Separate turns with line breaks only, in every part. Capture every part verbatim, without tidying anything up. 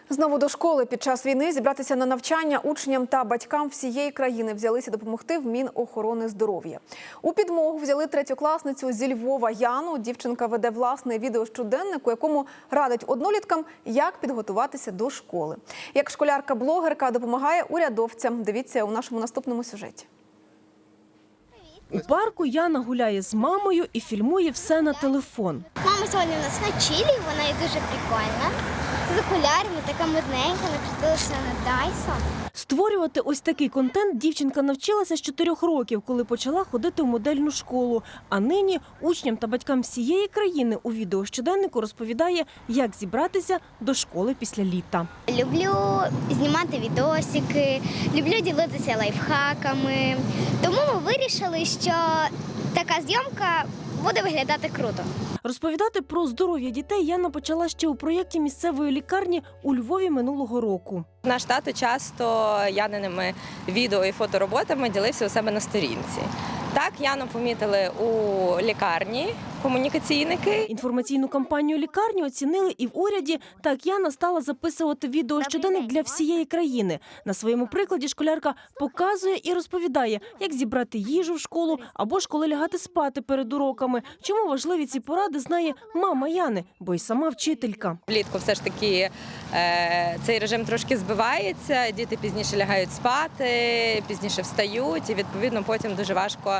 Знову до школи під час війни зібратися на навчання учням та батькам всієї країни взялися допомогти в Мінохорони здоров'я. У підмогу взяли третьокласницю зі Львова Яну. Дівчинка веде власний відеощоденник, у якому радить одноліткам, як підготуватися до школи. Як школярка-блогерка допомагає урядовцям. Дивіться у нашому наступному сюжеті.
У парку Яна гуляє з мамою і фільмує все на телефон.
Мама сьогодні у нас на чилі, вона є дуже прикольна. З окулярами, така модненька, напустилася на Dyson.
Створювати ось такий контент дівчинка навчилася з чотирьох років, коли почала ходити в модельну школу. А нині учням та батькам всієї країни у відеощоденнику розповідає, як зібратися до школи після літа.
Люблю знімати відосики, люблю ділитися лайфхаками. Тому ми вирішили, що така зйомка буде виглядати круто.
Розповідати про здоров'я дітей Яна почала ще у проєкті місцевої лікарні у Львові минулого року.
Наш тато часто Яниними відео і фотороботами ділився у себе на сторінці. Так, Яну помітили у лікарні комунікаційники.
Інформаційну кампанію лікарні оцінили і в уряді. Так Яна стала записувати відеощоденник для всієї країни. На своєму прикладі школярка показує і розповідає, як зібрати їжу в школу або ж коли лягати спати перед уроками. Чому важливі ці поради, знає мама Яни, бо й сама вчителька.
Влітку все ж таки е, цей режим трошки збивається, діти пізніше лягають спати, пізніше встають і відповідно потім дуже важко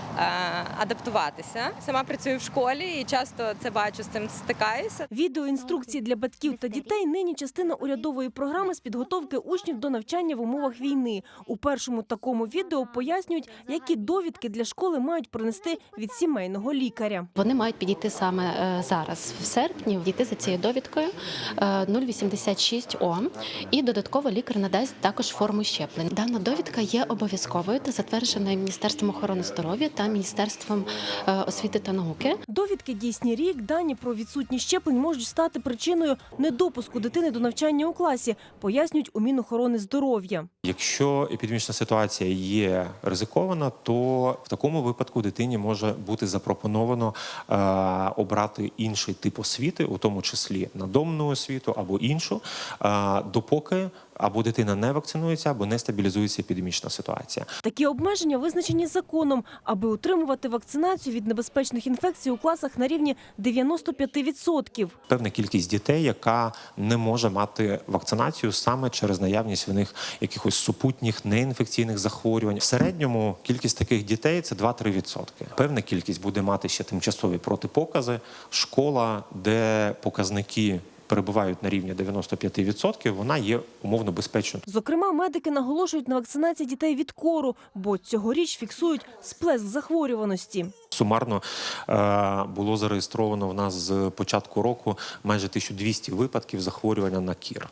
адаптуватися. Сама працюю в школі і часто це бачу, з цим стикаюся.
Відеоінструкції для батьків та дітей нині частина урядової програми з підготовки учнів до навчання в умовах війни. У першому такому відео пояснюють, які довідки для школи мають принести від сімейного лікаря.
Вони мають підійти саме зараз, в серпні, дійти за цією довідкою нуль вісімдесят шість О. І додатково лікар надасть також форму щеплень. Дана довідка є обов'язковою та затвердженою Міністерством охорони здоров'я та Міністерством освіти та науки.
Довідки дійсні рік, дані про відсутність щеплень можуть стати причиною недопуску дитини до навчання у класі, пояснюють у Мінохорони здоров'я.
Якщо епідемічна ситуація є ризикована, то в такому випадку дитині може бути запропоновано е, обрати інший тип освіти, у тому числі надомну освіту або іншу, е, допоки або дитина не вакцинується, або не стабілізується епідемічна ситуація.
Такі обмеження визначені законом, аби утримувати вакцинацію від небезпечних інфекцій у класах на рівні дев'яносто п'ять відсотків.
Певна кількість дітей, яка не може мати вакцинацію саме через наявність в них якихось супутніх неінфекційних захворювань. В середньому кількість таких дітей – це два-три відсотки. Певна кількість буде мати ще тимчасові протипокази. Школа, де показники перебувають на рівні дев'яносто п'ять відсотків, вона є умовно безпечною.
Зокрема, медики наголошують на вакцинації дітей від кору, бо цьогоріч фіксують сплеск захворюваності.
Сумарно е, було зареєстровано в нас з початку року майже тисяча двісті випадків захворювання на кір.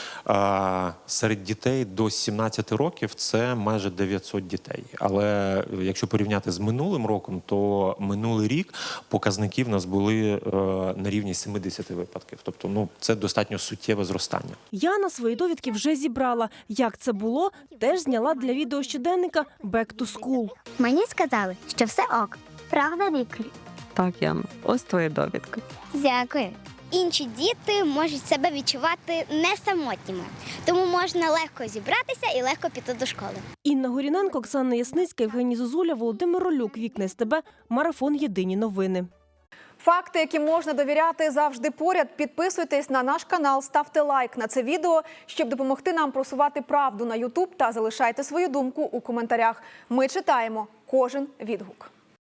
Е, серед дітей до сімнадцяти років це майже дев'ятсот дітей. Але якщо порівняти з минулим роком, то минулий рік показники в нас були е, на рівні сімдесят випадків. Тобто, ну, це достатньо суттєве зростання.
Яна свої довідки вже зібрала. Як це було, теж зняла для відеощоденника «Back to School».
Мені сказали, що все ок. Правда, Віклі?
Так, Яна, ось твої довідки.
Дякую. Інші діти можуть себе відчувати не самотніми, тому можна легко зібратися і легко піти до школи.
Інна Горіненко, Оксана Ясницька, Євгеній Зозуля, Володимир Ролюк, Вікна СТБ, Марафон Єдині новини.
Факти, які можна довіряти, завжди поряд. Підписуйтесь на наш канал, ставте лайк на це відео, щоб допомогти нам просувати правду на ютуб, та залишайте свою думку у коментарях. Ми читаємо кожен відгук.